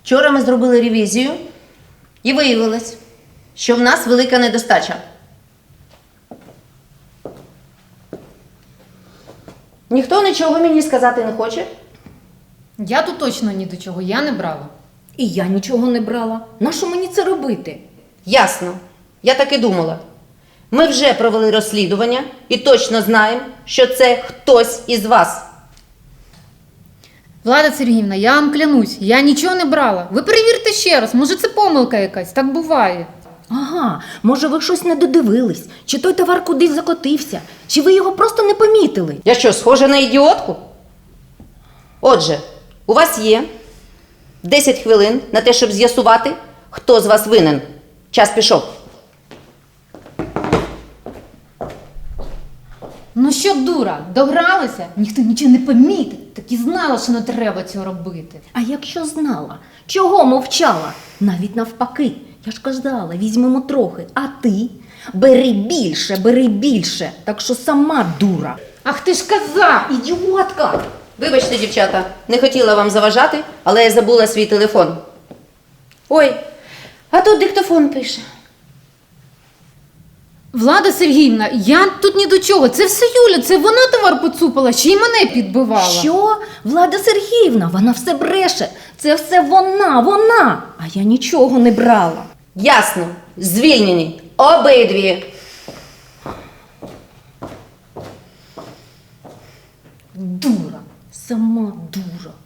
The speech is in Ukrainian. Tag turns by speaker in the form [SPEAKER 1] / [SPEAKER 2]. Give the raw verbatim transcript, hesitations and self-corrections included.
[SPEAKER 1] Вчора ми зробили ревізію і виявилось, що в нас велика недостача. Ніхто нічого мені сказати не хоче?
[SPEAKER 2] Я тут точно ні до чого, я не брала.
[SPEAKER 3] І я нічого не брала. Нащо мені це робити?
[SPEAKER 1] Ясно. Я так і думала. Ми вже провели розслідування і точно знаємо, що це хтось із вас.
[SPEAKER 2] Влада Сергіївна, я вам клянусь, я нічого не брала. Ви перевірте ще раз, може це помилка якась, так буває.
[SPEAKER 3] Ага, може ви щось не додивились, чи той товар кудись закотився, чи ви його просто не помітили.
[SPEAKER 1] Я що, схожа на ідіотку? Отже, у вас є десять хвилин на те, щоб з'ясувати, хто з вас винен. Час пішов.
[SPEAKER 2] Ну що, дура, догралися? Ніхто нічого не помітить, так і знала, що не треба цього робити.
[SPEAKER 3] А якщо знала, чого мовчала? Навіть навпаки, я ж казала, візьмемо трохи, а ти? Бери більше, бери більше, так що сама дура.
[SPEAKER 2] Ах ти ж казав!
[SPEAKER 3] Ідіотка!
[SPEAKER 1] Вибачте, дівчата, не хотіла вам заважати, але я забула свій телефон. Ой, а тут диктофон пише.
[SPEAKER 2] Влада Сергіївна, я тут ні до чого, це все Юля, це вона товар поцупила, ще й мене підбивала.
[SPEAKER 3] Що? Влада Сергіївна, вона все бреше. Це все вона, вона. А я нічого не брала.
[SPEAKER 1] Ясно, звільнені обидві.
[SPEAKER 3] Дура, сама дура.